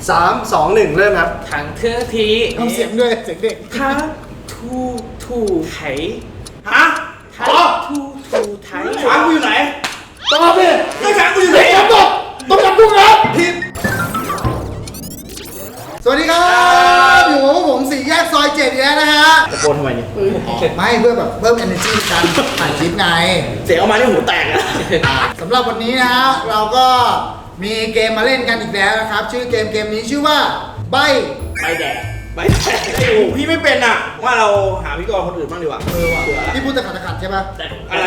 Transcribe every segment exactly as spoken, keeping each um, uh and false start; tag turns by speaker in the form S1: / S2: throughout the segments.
S1: สามสองหนึ่งเริ่มครับ
S2: ถังเทือที
S3: ทำเสียงด้วยเสียงเด็ก
S2: ท้าทูทูไถ
S4: ฮะ
S2: ท้าทูทูไถ
S4: ช้างกูอยู่ไหน
S3: ตอบดิ
S4: ไอ้ช้างกูอยู่ไหน
S3: ตอบต้องจับกุ้งครับผิดสวัสดีครับอยู่กับผมสี่แยกซอยเจ็ดแล้วนะฮะ
S4: ตะโกนทำไมเนี่ย
S3: ไม่เพื่อแบบเพิ่ม energy ในการถ่ายคลิปไง
S4: เสียงออกมานี่หูแตกอะ
S3: สำหรับวันนี้นะฮะเราก็มีเกมมาเล่นกันอีกแล้วนะครับชื่อเกมเกมนี้ชื่อว่าใบ
S4: ใบแดงใบแดงไอ้โหพี่ไม่เป็นอ่ะว่าเราหาพิธีกรคนอื่นบ้างดีกว่าเออว่ะ
S3: พี่พูดตะขัดตะขัดใช่ปะ
S4: อะไร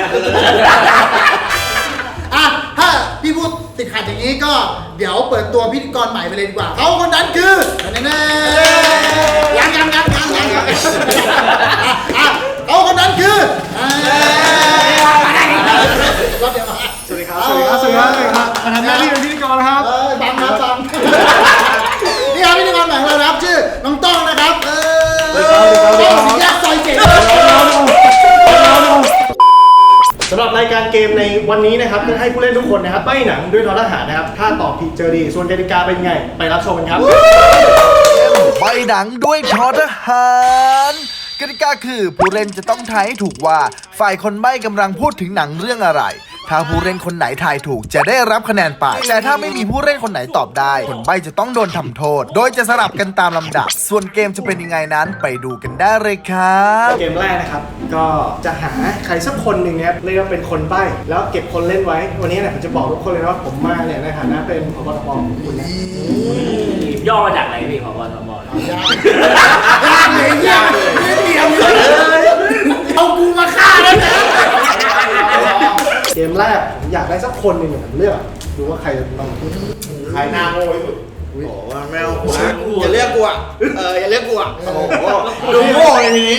S3: อ่ะถ้าพี่พูดติดขัดอย่างนี้ก็เดี๋ยวเปิดตัวพิธีกรใหม่ไปเลยดีกว่าเขาคนนั้นคือแน่ๆยังยังยังยังยังยังอ่ะเขาคนนั้นคือรอบเดียวมาสวัสดีครับสวัสดีครับสวัสดีครับสวัสดีครับมาทำหน้าที่เป็นพิธีกรนะครับเออบังครับบังนี่ครับพิธีกรใหม่ของเราครับชื่อน้องต้องนะครับเออสีแยกซอยเจ็ด
S1: สำหรับรายการเกมในวันนี้นะครับจะให้ผู้เล่นทุกคนนะครับใบ้หนังด้วยทอทหารนะครับถ้าตอบผิดเจอดีส่วนกติกาเป็นไงไปรับชมกันครับ
S5: ใบหนังด้วยทอทหารกติกาคือผู้เล่นจะต้องทายให้ถูกว่าฝ่ายคนใบ้กำลังพูดถึงหนังเรื่องอะไรถ้าผู้เล่นคนไหนทายถูกจะได้รับคะแนนไปแต่ถ้าไม่มีผู้เล่นคนไหนตอบได้คนใบ้จะต้องโดนทำโทษโดยจะสลับกันตามลำดับส่วนเกมจะเป็นยังไงนั้นไปดูกันได้เลยครับ
S1: เกมแรกนะครับก็จะหาใครสักคนหนึ่งเนี่ยเรียกว่าเป็นคนใบ้แล้วเก็บคนเล่นไว้วันนี้เนี่ยผมจะบอกทุกคนเลยว่าผมมาเนี่ยในฐานะเป็นผบ.ตบ.ของคุณนะ
S2: ย่อมาจากอะไรพี่ผบ.ตบ.
S3: ยากยากเลยยากเลยเดียวเลยเอากูมาฆ่าแล้วนะ
S1: เกมแรกผมอยากได้สักคนหนึ่งเนี่ยผมเลือกดูว่าใครจะต้องใครหน้าโง่ที่สุด
S4: โอ้โหแมวกูนะอย่าเรียกกูอ่ะเอออย่าเรียกกูอ่ะโอ้โหดูโง่เลยทีนี้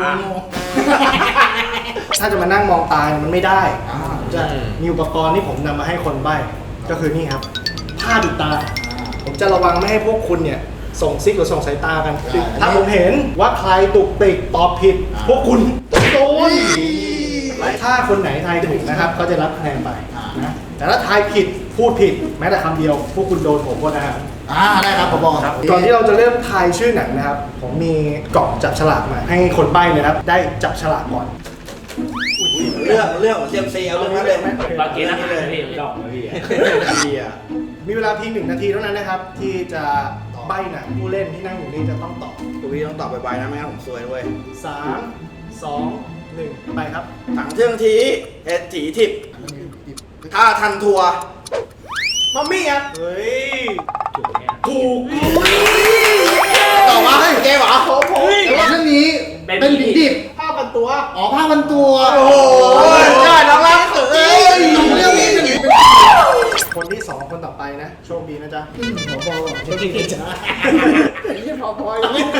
S1: ถ้าจะมานั่งมองตามันไม่ได้จะมีอุปกรณ์ที่ผมนำมาให้คนใบ้ก็คือนี่ครับผ้าปิดตาผมจะระวังไม่ให้พวกคุณเนี่ยส่งซิกหรือส่งสายตากันถ้าผมเห็นว่าใครตุกติกตอบผิดพวกคุณโดนถ้าคนไหนทายถูกนะครับก็จะรับคะแนนไปนะแต่ถ้าทายผิดพูดผิดแม้แต่คำเดียวพวกคุณโดนผมก็นะครับ
S3: อ่าได้ครับผบครับ
S1: ก่อนที่เราจะเริ่มทายชื่อหนังนะครับผมมีกล่องจับฉลากมาให้คนใบ้เลยครับได้จับฉลากก่อน
S4: เรื่องเรื่องของเซียมซีเอาเรื่องนั้นเลยไหม
S2: บางทีนะพี่ดอกพี่
S1: มีเวลาเพียงหนึ่งนาทีเท่านั้นนะครับที่จะใบ้หนังผู้เล่นที่นั่งอยู่นี่จะต้องตอบ
S4: ตัวพี่ต้องตอบไปๆนะไม่งั้นผมซวยด้วย
S1: สามสองหนึ่งไปครับ
S4: ถังเทืองทีเอ็ดถีทิพถ้าทันทัวร์
S1: มัมมี่ครับเฮ้ยถูก
S3: ต่อมาให้
S4: เกมเหรอ
S3: แต่ว่าเรื่องนี้เป็นผีดิบ
S1: ผ้าพันตัว
S3: อ๋อผ้าพันตัว
S4: โอ้โหได้น้องรักเอ้ย
S3: เรื่องนี้เป็น
S1: คนที่สองคนต่อไปนะโชคดีนะจ๊ะ
S3: ผบโชคดีจ้าไม่ผบยังไม่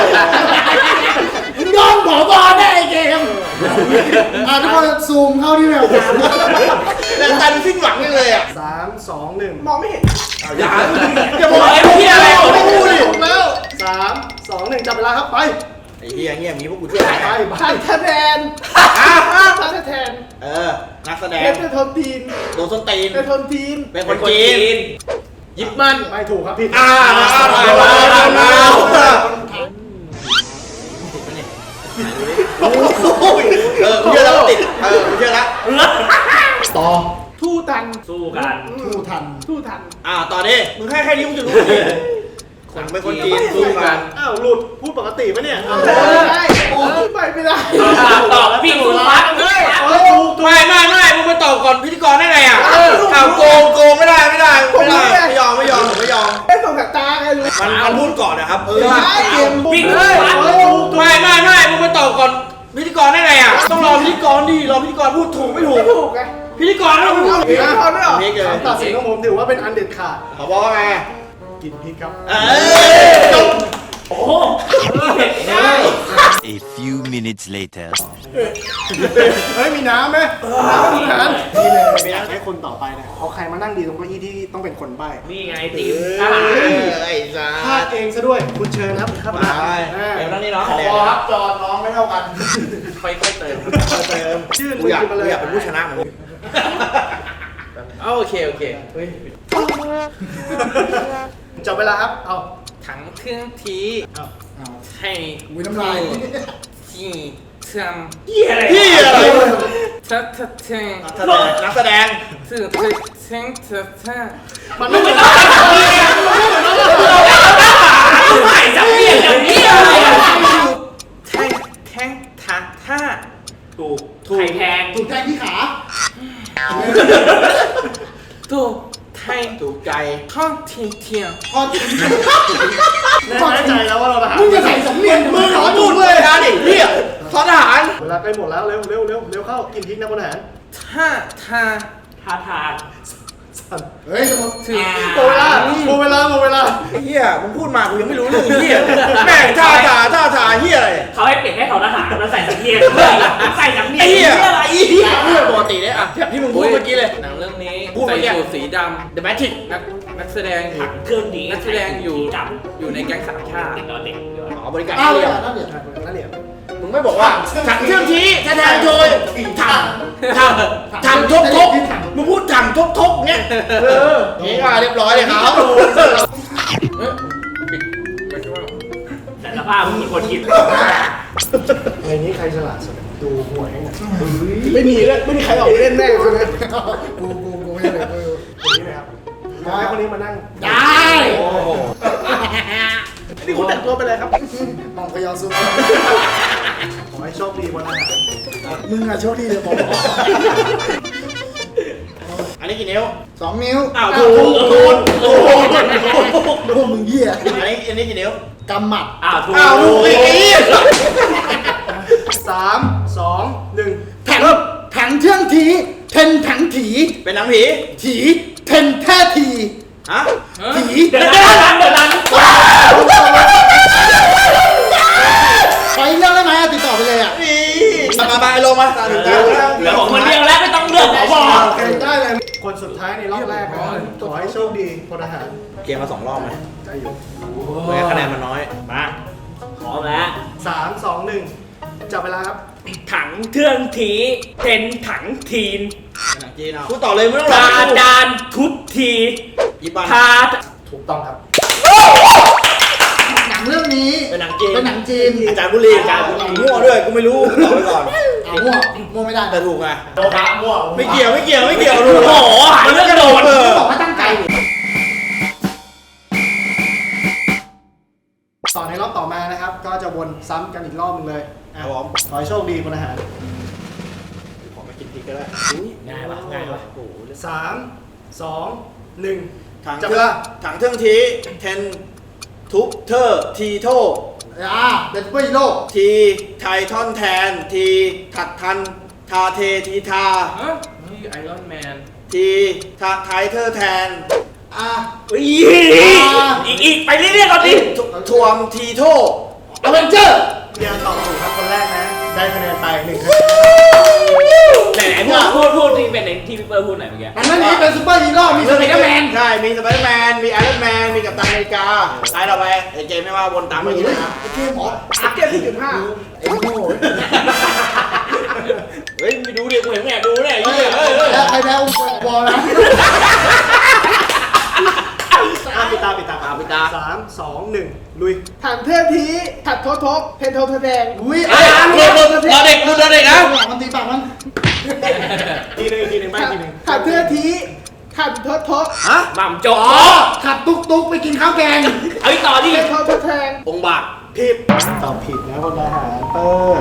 S3: ยอมผบได้เกมอ่ะทุกคนซูมเข้าที่แมวตา
S4: แล้วการสิ้นหวังเลยอ่ะ
S1: สามสองหนึ่ง
S4: มองไม่เห็นเอาอย่าอย่าบอกไอ้พี่อะไรไม่พูดดิ
S1: แล้วสามสองหนึ่งจับเวลาครับไป
S4: ไอ้เฮียเงียบงี้พวกกูช่วย
S1: ไปไป
S3: แทนท่านแทน
S4: เออนักแสดง
S3: เป็นทนทีน
S4: โดนส้นตีน
S3: เป็นทนทีน
S4: เป็นคนจีนยิบมัน
S1: ไม่ถูกครับพี่
S4: อ่ามามามามาเออเชื่อแล้วติดเออเชื่อแล้ว
S1: ต่อ
S3: ทู่ทัน
S2: สู้กัน
S3: ทู่ทันทู่ทัน
S4: อ่าต่อดิมึงแค่แค่นี้มึงจะรู้คนเป็นคนจีนสู้กัน
S1: อ้าวหลุดพูดปกติปะเนี่ย
S3: ได้โอ้ไปไม่ได้
S2: ตอบแล้วพี่ถูกฟังเลย
S4: ไม่ไม่ไม่มึงไปตอบก่อนพิธีกรได้ไงอ่ะอ้าวโกงโกงไม่ได้ไม่ได้ไม่ได้ไม่ยอมไม่ยอมไม่ยอม
S3: ไม่ส่งสายตาไงรู้
S4: มันมันพูดก่อนนะครับเออ
S2: พี่เลย
S4: ไม่ไม่ไม่มึงไปตอบก่อนพิธีกรได้ไงอ่ะต้องรอพิธีกรดิรอพิธีกรพูดถูกไม่ถูก
S3: ถูกไง
S4: พิธีกรต้องพูดพิธีกรไม่หรอ
S1: คำตัดสินของผมถือว่าเป็นอันเด็ดขาด
S4: เขาบอกว่าไง
S1: กินพริกครับ
S4: เออโอ้โห
S6: A few minutes later
S1: เฮ้ยมีน้ำไหมน้ำมีน้ำนี่เลยไม่อยากให้คนต่อไปนะเอาใครมานั่งดีตรงเก้าอี้ที่ต้องเป็นคนใบ้
S2: นี่ไงติ๋ว
S4: ไอ้จ้า
S1: พลาดเองซะด้วยคุณเชิญครับครับ
S4: มาเดี๋ยวนั่งนี่เนาะ
S3: ขอครับจอน้องไม่เท่ากัน
S2: ค่อยๆเติม
S4: เติมชื่อกูอยากกูอยากเป็นผู้ชนะเหมือนเอาโอเคโอเค
S1: จับเวลาครับ เอา
S4: ถังเครื่องที
S1: เอา
S3: เอา
S4: ให้
S3: อุ้ยน้ำลาย
S4: ที่ทำ
S2: เหี้ยอะไร
S4: พี่อะไรถ้าถ้าเทง
S1: นักแสดง
S4: สื่อเทงเธอถ้า
S1: มันไม่เป็น
S2: ใส่จับเปลี่ยนอย่างนี้อะไรอ่ะ
S4: แทงแทงท่าท่า
S2: ถูกถูกไข่แพง
S3: ถูกใจที่ขา
S4: ตัวไทยถูกใจข้องเทียงเทียง
S3: พอจริง
S1: แน่ใจแล้วว่าเราทหาร
S3: มึงจะใส่สำเนียง
S4: มึงขอดูดเลยนะดิพี่ทอทหาร
S1: เวลาใกล้หมดแล้วเร็วเร็วเร็วเร็วเข้ากินพริกนะพลทหาร
S4: ท่าท่า
S2: ท่าทาง
S3: เฮ้ยสมมติ
S4: ถึง
S1: หมดเวลาหมดเวลาหมดเวลา
S4: ไอ้เหี้ยมึงพูดมากูยังไม่รู้เรื่องเหี้ยแม่งท่าท่าท่าท่าเหี้ยอะไร
S2: เขาให้เปลี่ยนให้เขาทหารแล้วใส่สำเนียงด้วยใส่สำเนียง
S4: ไอ้เหี้ย
S2: อะไร
S4: เหี้ยปกติเนี่ยอ่ะแบบที่มึงพูดเมื่อกี้เลย
S7: หนังเรื่องนี้
S4: พูด
S7: ใส่
S4: เมื่อกี้
S7: สูทสีดำ
S4: The Matrix
S7: นักนักแสดงอยู่
S2: เครื่องดี
S7: นักแสดงอยู่
S2: จับ
S7: อยู่ในแก๊งสามชาติ
S2: เด็กนอนเด็กเดี๋ยว
S4: อ๋อบริการ
S3: อ้าว
S4: เรี
S3: เลย
S4: ย
S3: อ่ะน่าเบียด
S1: นั่นเหรียญ
S4: มึงไม่บอกว่าถังเครื่องทีแสดงโดยถังถังถังทบทบมึงพูดถังทบทบเงี้ยเออนี่ก็เรียบร้อยเลยครับ
S2: แต่สภาพมึงเหมือนคนกิน
S1: ในนี้ใครฉลาดสุดดูหวยให้หน่อยไม่มีเลยไม่มีใครออกไปเล่นแน่เลย
S3: กูกูกูไม่เลยกู
S1: คนนี้นะครับมาให้คนนี้มานั่ง
S3: ได้
S4: โอ้โห
S1: นี่คุณแต่งตัวไปเลยครับ
S3: มองพยาซุป
S1: ขอให้โชคดีวันอาหาร
S3: มึงอะโชคดีเลยผม
S4: อันนี้กี่นิ้ว
S3: สองนิ้ว
S4: อ้าวถูกถูกถูก
S3: ดูมึงเหี้ย
S4: อันนี้อันนี้กี่นิ้ว
S3: กำหมัด
S2: อ้าวถูก
S4: อ้าวถูกอีกอีก
S1: สามสองหนึ่ง
S3: ถังถังเชื่องถีเทนถังถี
S4: เป็นหนังผี
S3: ถีเทนแท้ที
S4: ฮะ
S3: ถี
S2: เดี๋ยวนั้นเดี๋ยวนั้น
S3: ไปเรื่องได้ไหมอะติดต่อไปเลยอ่ะ
S4: นี่มามามาลงมาตาถึงตา
S2: เหลือผมคนเดียวแล้วไม่ต้องเลือกขอบอก
S1: โอเคได้เลยคนสุดท้ายในรอบแรกนะขอให้โชคดีพลทหาร
S4: เกมมาสองรอบไหม
S1: ได้อยู่
S4: เมื่อคะแนนมันน้อย
S2: มาพร้อมแล้ว
S1: สามสองหนึ่งจับเวลาครับ
S2: ถังเทื่องทีเป็นถังทีน
S4: หนังจีนเอาพูดต่อเลยไม่ต้องรอ
S2: ตาดานทุบที
S4: ญี่ปุ่น
S2: พา
S1: ถูกต้องครับ
S3: หนังเรื่องนี้
S4: เป็นหนังจีน
S3: เป็นหนังจีน
S4: อาจารย์บุรีอาจารย์บุรีมั่วด้วยกูไม่รู้ตอบไปก่อน
S3: เอามั่วมั่วไม่ได้
S4: แต่ถูกไง
S1: โดนพระมั่ว
S4: ไม่เกี่ยวไม่เกี่ยวไม่เกี่ยวถูก
S2: โอ้โหหาเรื่องกระโดด
S4: เออ
S3: บอกว่าตั้งใจ
S1: ต่อในรอบต่อมานะครับ ก็จะวนซ้ำกันอีกรอบหนึงเลย
S4: ค
S1: อ่ะ
S4: รับผม
S1: ขอให้โชคดีพลทหาร
S4: ขอมากินพริกก็ได้
S2: ง่ายปะง่ายปะ
S1: สามสองหนึ่ง
S4: ถัง
S1: จับ
S4: เค
S1: เว
S4: รื่อง
S1: ลา
S4: ถังเครื่องทีเทนทุบเทอร์ทีโท
S3: อ่าเป็นเพื่อฮีโร่
S4: ทีไททอนแทนทีถัดทันทาเททีทา
S7: ฮะนี่ไอรอนแมน
S4: ทีทาไทเทอร์แทน
S3: อ่า
S2: อีกอีกไปเรื่อยๆก่อนดิ
S4: ทวมทีโท
S3: อเวนเจอร์
S1: พี่อันตอบถูกครับคนแรกนะ ได้คะแนนไปหนึ่งคะแนน
S2: ไหนไหนพูดพูดพูดที่เป็นในที่พี่เปิ้ลพูดหน่อยเมื่อกี้
S3: มันไม่มีเป็นซูเปอร์ฮีโร่มีสไปเดอร์แมน
S4: ใช่ มีสไปเดอร์แมน มีไอรอนแมน มีกัปตันอเมริกาตายเราไปไอ้เกมไม่ว่าวนตามมาอย่างนี้นะ
S3: เกมหมอ
S1: อัพเกียร์สี่จุดห้า
S3: ไอ้โง่
S4: เฮ้ยไปดูดิกูเห็นแม่ดูเนี่ยไอ้
S3: เฮ้ย
S4: เหี้ยเฮ้ยเฮ้ย
S3: แล้วใครแพ้อุ้มบอลนะ
S1: อ่ะปิดตาปิดตา
S4: อ่ะปิดตา
S1: สามสองหนึ่งลุยถังเทพทีถัดทบทบเพนโทเทแดง
S3: อุ้ย
S4: เฮ้ยดูดูรอเด็กดูรอเด็กนะ
S3: มันตีปากมัน
S1: ทีหนึ่งทีหนึ่งไปทีหนึ่ง
S8: ถัดเทือทีถัดทดทด
S4: ฮะ
S2: หม่ำจก
S3: อ๋อขับตุ๊กตุ๊กไปกินข้าวแกง
S2: เอาอีกต่อดิ
S8: เป็นทดทดแทง
S4: องค์บาก
S1: ผิดตอบผิดนะพลทหารเปอร์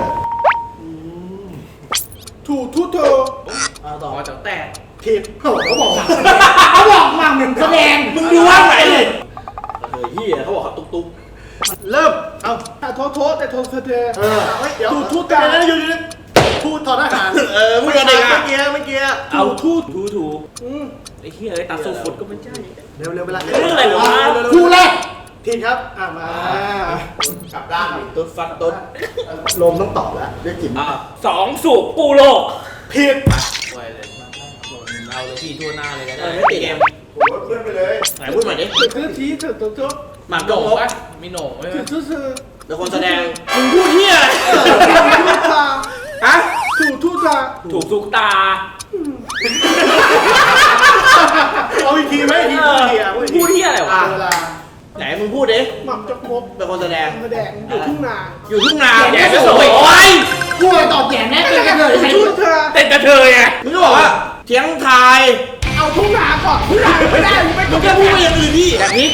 S8: ถูทุโท
S1: เอาต่อ
S7: อ๋อจากแตก
S1: ผิด
S3: เขาบอกว่าเขาบอกมาเหมือนแสดง
S4: มึงดูว่าไหนเลยเฮ้ยเหี้ยเขาบอกเขาตุ๊กตุ๊ก
S1: เริ่มเอา
S8: ถัดทดทดแต่ทดเท
S1: เออเฮ้ยเดี๋ยว
S8: ถูทุ
S1: พู
S8: ก
S1: ด
S8: กา
S1: กันนะอยู่อยู่พูดทอทหาร
S4: เออมึงรอเด็กอ่ะ
S1: เมื่อกี้เมื่อกี้
S2: เอาทูถูถูไอ้เหี้ยไอ้ตาสูฟุดก็ไม่ใช่
S1: เร็วเร็วเวลา
S2: เรื่องอะไรวะ
S3: คู่แรก
S1: ผิดครับอ่ะมา
S4: กับด้านตุ๊ดฟันตุ๊ด
S1: ลมต้องตอบแล้วเรียกกิ่ม
S4: อ่ะ
S2: สองสูบปูโลก
S1: ผิด
S7: ไวเลยเอาเลยพี่ทั่วหน้าเลยก็
S4: เอ
S7: ได้
S4: อไม่ติดเกม
S1: เพื่อนไปเลย
S4: ไหนพูดใหม่ดิ
S8: ถัดเทือทีถัดทดทด
S4: หมาก
S7: โห
S4: โด
S7: น่
S4: ง
S7: ง
S4: เขา
S7: ปะมีโหน่งไหม
S8: ถูทุเธอ
S4: เป็นคนแสดงมึงพูดเหี้ยอะไร
S8: ทุตา
S4: ฮะ
S8: ถูทุตา
S2: ถูกทุกตา
S1: เอาอีกทีไหมอีกทีอีกทีอ่ะ
S2: พูดที่อะไรวะ
S1: เวลา
S4: ไหนมึงพูดดิ
S8: หม่ำจกมก
S4: เป็นคนแสดง
S8: มาแดงอยู่ทุ่งนา
S4: อยู่ทุ่งนา
S2: แดกจะสวยโอ้ย
S3: กูเลยตอบแย่แน่เป็นกันเลย
S8: ชุดเธอ
S2: เต้นกระเทยไง
S4: มึงก็บอกว่าเถียงทาย
S8: เอาทุ่งนาก่อนทุ่งนาไม่ได้ไม่
S4: มึงแค่พูดไปอย่างอื่นดิแบบนี้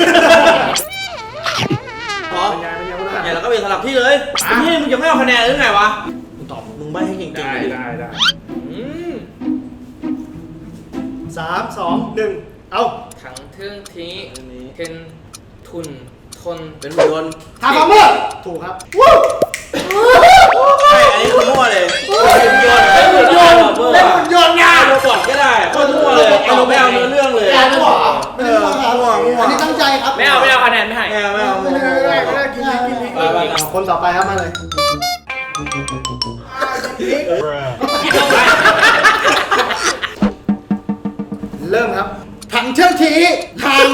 S4: พอ
S1: เป็นไงเป็นไงเป็นไง
S4: เนี่ยเราก็เป็นสลับที่เลยนี่มึงจะไม่เอาคะแนนหรือไงวะมึงตอบมึงใบให้เก่งๆ
S7: ได้
S4: ดิ
S7: ได้ได้
S2: อืม
S1: สามสองหนึ่งเอา
S2: ถังเทื่องทีเทนทุนทน
S4: เป็นหุ่นยนต์
S3: ทำมาเมื่อ
S1: ถูกครับ
S4: ใช่อันนี้คือมั่วเลย
S2: เป็นหุ่นยนต์เป็นหุ่นยนต์
S4: เป็นหุ่นยนต์ไงโรบอทก็ได้โคตรมั่วเลยไอ้โรไม่เอาเนื้อเรื่องเลย
S3: แย่ไม่หรอไม่ได้มั่วครับอันนี้ตั้งใจครับ
S2: ไม่เอาไม่เอาคะแนนไม่ให้
S4: ไม่เอาไม่เอา
S3: ไม่ได้ไม่ได้ไม่ได้กินกินกิน
S4: ไปไป
S1: เอาคนต่อไปครับมาเลย เริ่มครับ
S3: ถังเชื่องทีทาง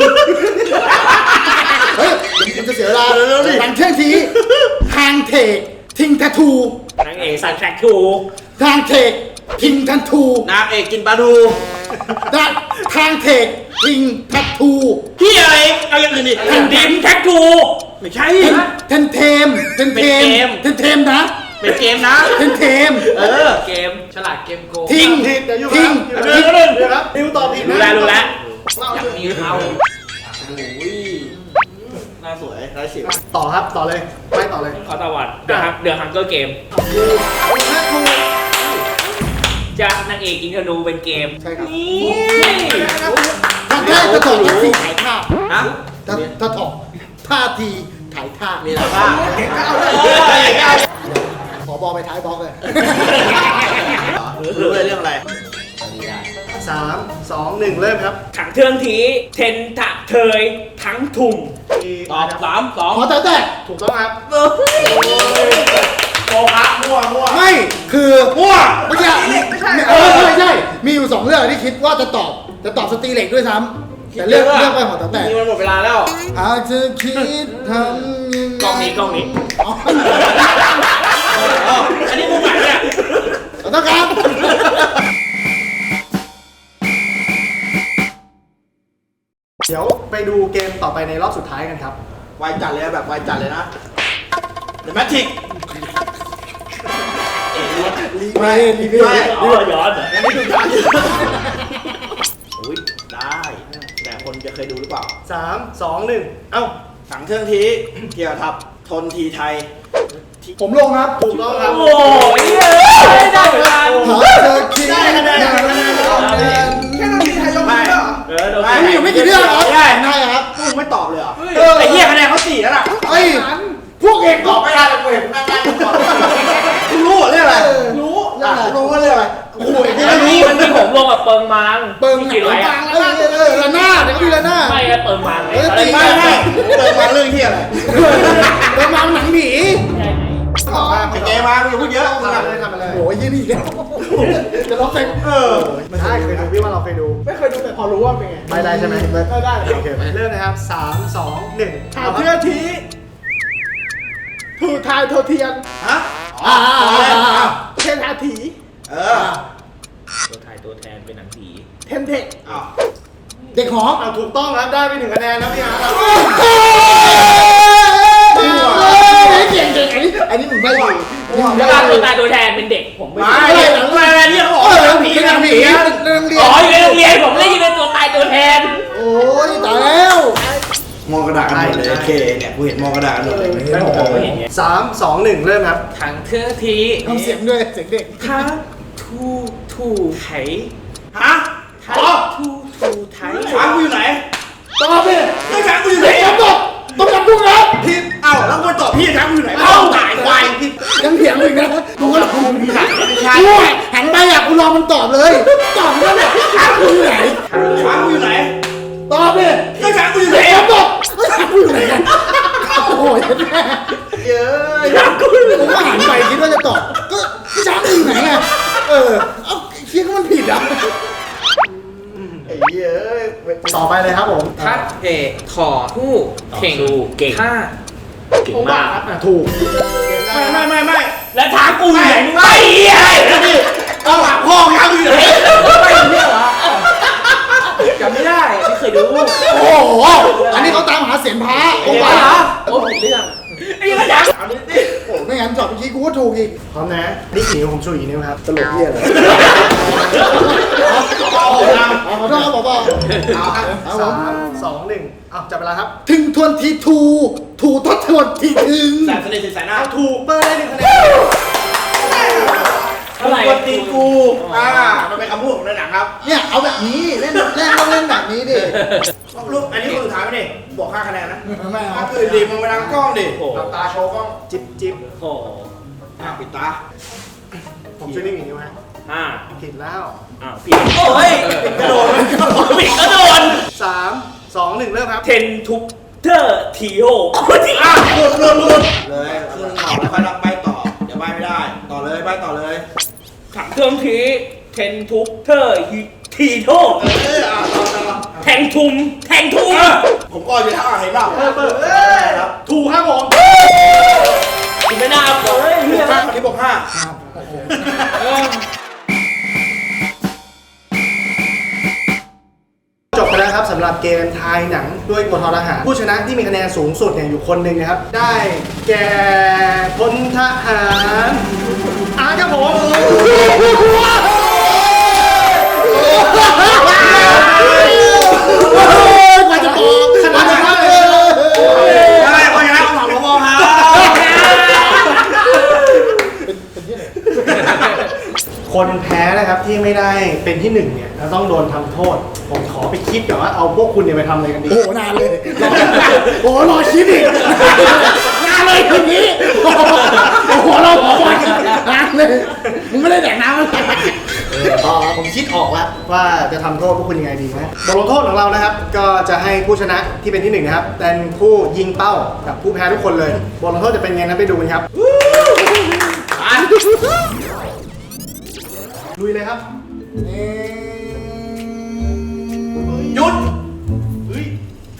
S3: เฮ้ยมันจะเสียเวลาถังเชื่องทีทางเทกทิ้งทัทู
S2: นางเอกสันแทรกทู
S3: ทางเทกทิ้งทันทู
S4: นางเอกกินปลาทู
S3: ด้านทางเทกทิ้งทัทู
S4: พี่อะไรเอาอย่างอื่นดิ
S2: แผ่นดินแท็กทู
S4: ไม่ใช่
S3: เทนเทมเทนเทม
S4: เป็นเกม
S3: เทนเทมนะ
S4: เป็นเกมนะ
S3: เทนเทม
S4: เออ
S2: เกมฉลาดเกมโกง
S3: ทิ้ง
S1: ผิดเดี๋ยวอยู่
S3: ทิ้ง
S1: ครับเดี๋ยวเดี๋ยวเดี๋ยวครับนิวตอบผิด
S2: รู้
S1: นะ
S2: แล้วรู้แล้วอยากมีเขา
S4: อุ้ยหน้าสวยได้สิบ
S1: ต่อครับต่อเลยไปต่อเลย
S2: ขอตะวันเดือดฮังเดือดฮังเกอร์เกมจะนางเอกยิงธนูเป็นเกม
S3: ใช่ครับ
S2: นี่
S3: ทางแรกจะถอดท่าทีถ่ายท่า
S4: ฮะ
S3: ถ้าถ้าถอดท่าทีถ่ายท่า
S4: มีอะไรบ้าง
S3: ขอบอลไปท้ายบล็อกเลย
S4: รู้เลยเรื่องอะไร
S1: สามสองหนึ่งเริ่มครับ
S2: ถังเทืองทีเทนทะเทยทั้งถุ่ม
S4: ตอบสามสอง
S3: ขอแต่แต่
S1: ถูกต้องครับ
S4: โกหกมั่วมั่ว
S3: ไม่คือ
S4: มั่ว
S3: เมื่อกี้เออใช่ใช่มีอยู่สองเรื่องที่คิดว่าจะตอบจะตอบสตรีเหล็กด้วยซ้ำแต่เลือกเลือกไปหมดแต่แต่
S4: นี่มันหมดเวลาแล้ว
S3: อาจจะคิดทำยังไง
S2: กล้องนี้กล้องนี้
S3: อ๋อ
S4: อันนี้มุกใหม่เนี่ย
S3: ขอโทษครับ
S1: เดี๋ยวไปดูเกมต่อไปในรอบสุดท้ายกันครับ
S4: วายจัดเลยแบบวายจัดเลยนะเดอะแมทริก
S3: ไม่รีวิว
S4: ไม่
S2: อ๋อย้อนเหรอ
S4: อันนี้ดูได้อุ้ยได้ แต่คนจะเคยดูหรือเปล่า
S1: สามสองหนึ่งเอ้า
S4: สังเครื่องทีเกี่ยวกับทนทีไทย
S3: ผมลงครับ
S1: ถูกต้องครับ
S2: โอ้ยได้เวลา
S3: หาเจอคิด
S1: ได้คะแนนได้คะแนน
S8: แค่นาทีไทยยกมือเหรอ
S2: เออโดน
S3: มีอยู่ไม่กี่เรื่องครับ
S4: ได้
S3: ได้ครับ
S4: มึงไม่ตอบเลยเหรอ
S3: เออ
S4: ไอ้เหี้ยคะแนนเขาสี่แล้วล่ะ
S3: ไอ้พวกเอง
S4: ตอบไม่ได้เลยกูเห็นนั่งนั่งตอบกูรู้เหรอเรื่องอะไร
S3: รู้
S4: อ่ะ
S3: รู้ว่าเรื่องอะไรโอ้โห
S2: มันมีมันมีผมลงกับเปิงมัง
S3: เปิง
S2: ที่
S3: หนั
S2: กิน
S3: ง
S2: ไว้
S3: ก
S2: อะ
S3: ลางแล้วเออละหน้าเดี๋ยวก็มีละหน้า
S2: ไม่ก็เปิงมังไงอะไร
S4: ไม่ไม่เปิดมาเรื่องเหี้ยอะไร
S3: เปิงมาหนังหนี
S1: ตอบมา
S4: ไอ้เจมามึงอย่าพูดเยอะมึง
S1: ทำ
S4: อ่ะ
S1: มาเลยทำมาเลย
S3: โอ้ยยี่นี่จะล็อกเซ็ง
S4: เออ
S1: ไม่ใช่เคยดูพี่ว่าเราเคยดู
S8: ไม่เคยดูแต่พอรู้ว่าเป็นไง
S1: ไม่ได้ใช่ไหม
S8: ไม่ได้
S1: โอเคเริ่มนะครับสามสองหนึ่ง
S8: ถามเพื่อนทีถูกทายโทเทียน
S4: ฮะอ๋ออ๋อ
S8: เทนทาถี
S4: เออ
S2: ตัวไทยตัวแทนเป็นหนังผี
S8: เทนเทค
S4: อ้าว
S3: เด็กหอ
S1: เอาถูกต้องครับได้ไปหนึ่งคะแนนนะพี่อาร์ตครับ
S3: เก่งเก่งอันนี้อันนี้มึงไม่ดี
S2: แล้วก็ตัวตายตัวแทนเป็นเด็กผมไม่
S4: ไม่หนังอะไรเนี่ยเขาบอก
S3: เออ
S4: หนัง
S3: ผี
S4: ผี
S3: ห
S4: ห
S3: นั
S4: นั
S3: ง
S4: ง
S3: ผี
S4: ผี
S3: เรื่องเรีย
S2: อ๋
S3: น
S2: ออยู่ในโรงเรียนผมได้ยินเป็นตัวตายตัวแทน
S3: โอ้ยตายแล้ว
S4: มองกระดาษกันหมดเลยเคเนี่ยกูเห็นมองกระดาษกันหมดเลย
S2: ไม่ผมไม่เห็นไง
S1: สามสองหนึ่งเริ่มครับ
S2: ถังเทื่องที
S3: ทำเสียงด้วยเสียงเด็ก
S2: ท้าทูทูไถ
S4: ฮะ
S2: ท้า
S4: อ๋อ
S2: ทูทูไถ
S4: ช้างกูอยู่ไหน
S3: ตอบดิ
S4: ไอ้ช้างกูอยู่ไหน
S3: ตอบตอบต้องจำทุกครับ
S4: ผิดเอ้าแล้วกูตอบพี่ช้างกูอยู่ไหน
S3: เอ้า
S4: ตายควายผิด
S3: ยังเถียงอีกนะกูก็หลอกมึงถ่าย
S4: ไม่ใช่
S3: กูหันไปอยากกูรอมันตอบเลย ตอบแล้วเนี่ยช้างกูอยู่ไหน
S4: ช้างกูอยู่ไหน
S3: ตอบดิ
S4: ไอ้ช้างกูอยู่ไหน
S3: ตอบตอบช้างกูอยู่ไหนกันโอ้ยแม่
S4: เย้ย
S3: ช้างกูอยู่ไหนผมก็หันไปคิดว่าจะตอบก็ช้างกูอยู่ไหนไงเออเอ้าเชี่ยก็มันผิดอ่ะ
S4: ไอ้เย้ย
S1: ต่อไปเลยครับผม
S2: ทัดเอกถอทู่เข่งเก่งท่าเก่งมาก
S1: อ่ะถูก
S4: ไม่ไม่ไม่ไม่
S2: แล้วท้ากูอยู่ไหนมึงไม่เหี้ย
S4: แล้วดิเอาหลักพ่อช้างกูอยู่ไหน
S2: ไม่เนี่ยเหรอ
S7: จำไม่ได้ไม่เคยดู
S3: โอ้โห อันนี้เขาตามหาเสียงพระโอ้
S7: โอ้
S3: โห
S7: ยเหรอโอ้ผิดเรื่อง
S4: ไอ้ยังไงจ๊ะเอาดิสิ
S3: โอ้ไม่งั้นจอดเมื่อกี้กูก็ถูกอีก
S1: พร้อมนะนี่กี่นิ้วผมชูอีกนิ้วครับตลกเหี้ยเลย
S3: เอาเอาขอโทษครับผมบอกเอาครับเอาผ
S1: สาม มสองหนึ่งอ้าวจับเวลาครับ
S3: ถึงทวนทีทูถูทดทวนทีถึง
S4: แสบสนิทสิสายหน้า
S1: เอาถูกเปิ้ลได้หนึ่งคะแนน
S4: อะไรกตีกู อ่า มันเป็นคำพูดของในหนังครับ
S3: เนี่ยเอาแบบนี้เล่นเล่นต้องเล่นแบบนี้ดิ
S4: ลูกอันนี้คนสุดท้ายไหมนี่บวกห้าคะแนนนะ
S3: ไม่เอา
S4: ถ้าคือดีมึงไปทางกล้องดิหลับตาโชว์กล้อง
S1: จิบจิบ
S7: โอ้โห
S4: อ่ะปิดตา
S1: ผมช่วยนี่กี่นิ้วฮะ
S7: ห้า
S1: ผิดแล้ว
S7: อ้าวผิดโอ้ย
S4: กระโดด
S7: ผิดก็โดน
S1: สามสองหนึ่งเริ่มครับ
S7: เทนทุกเตอร์ทีโอ
S4: อ่ะหลุดหลุดหลุดเลยคือหนึ่งต่อแล้วค่อยรับใบต่อ เดี๋ยวใบไม่ได้ ต่อเลยใบต่อเลย
S7: ถังเครื่องทีเทนทุกเตอร์ทีโอ
S4: เอออ่ะต่อต่อ
S7: แทงทุมแทงทุม
S4: ผมก็อยู่ท่าเห็นเปล่า
S1: เปิดเปิด
S4: เออครับ
S1: ถูกครับผม
S7: อีกไม่น่าเอาเลย
S4: บวกห้าอันนี้บวกห้า
S1: จบไปแล้วครับสำหรับเกมทายหนังด้วยกฎทอทหารผู้ชนะที่มีคะแนนสูงสุดเนี่ยอยู่คนหนึ่งนะครับ ได้แก่พลทหารอาร์ตครับผม
S3: กว่าจะบอกขนาดนั้นเลย
S4: ได้เพราะฉะนั้นต้องถามหลวงพ่อครับ
S1: คนแพ้นะครับที่ไม่ได้เป็นที่หนึ่งเนี่ยจะต้องโดนทำโทษ ผมขอไปคิดก่อนว่าเอาพวกคุณเนี่ยไปทำอะไรกันดี
S3: โอ้โหนานเลย โอ้โหรอคิดอีกนานเลยคืนนี้โอ้โหเราขอคอยนานเลยมึงไม่ได้แดกน้ำอะไร
S1: อ๋อผมคิดออกแล้วว่าจะทำโทษพวกคุณยังไงดีนะบทลงโทษของเรานะครับ ก็จะให้ผู้ชนะที่เป็นที่หนึ่งนะครับเป็นผู้ยิงเป้ากับผู้แพ้ทุกคนเลยบทลงโทษจะเป็นไงนะไปดูกันครับลุยเลยครับ
S4: หยุด
S1: เฮ้ย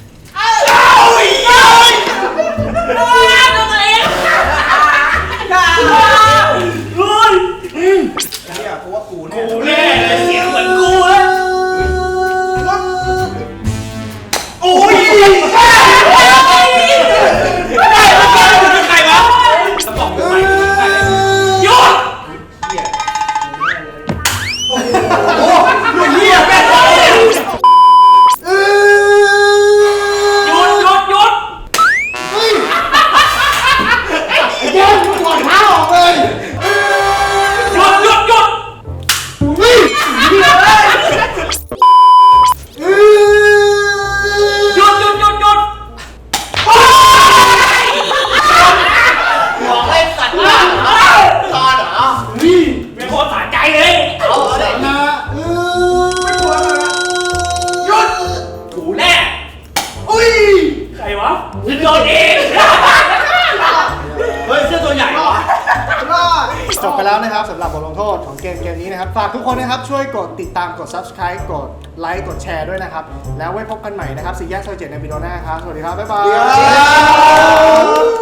S4: เนี่ยกูว่ากูเนี่ย
S7: กูแน่เลยเสียงเหมือนกูเลย
S4: โอ้ย
S7: ใครวะสมองกูไปหยุด
S4: โอ้ยเหี้ยแม่งเลย
S7: หยุดหยุดหยุด
S3: เฮ้ยไอ้เจ้ามึงถอดเท้าออกเลย
S7: หยุดหยุดหยุด
S3: เฮ้ยเดี๋ยวเลย
S7: หยุดหยุดหยุดหยุด
S4: บอกเล่นสัตว์ว่าตอนเหรอ
S7: เป็นคนสะใจเลย
S4: เอาเลย
S3: นะเออ
S4: หยุด
S7: กูแน่
S4: อุ้ย
S7: ใครวะมึงโดนเอง
S4: เฮ้ยเสื้อตัวใหญ่เหรอ
S1: จบไปแล้วนะครับสำหรับบทลงโทษของเกมเกมนี้นะครับฝากทุกคนนะครับช่วยกดติดตามกด subscribe กดไลค์กดแชร์ด้วยนะครับแล้วไว้พบกันใหม่นะครับสี่แยกซอยเจ็ดในวิดีโอหน้าครับสวัสดีครับบ๊ายบาย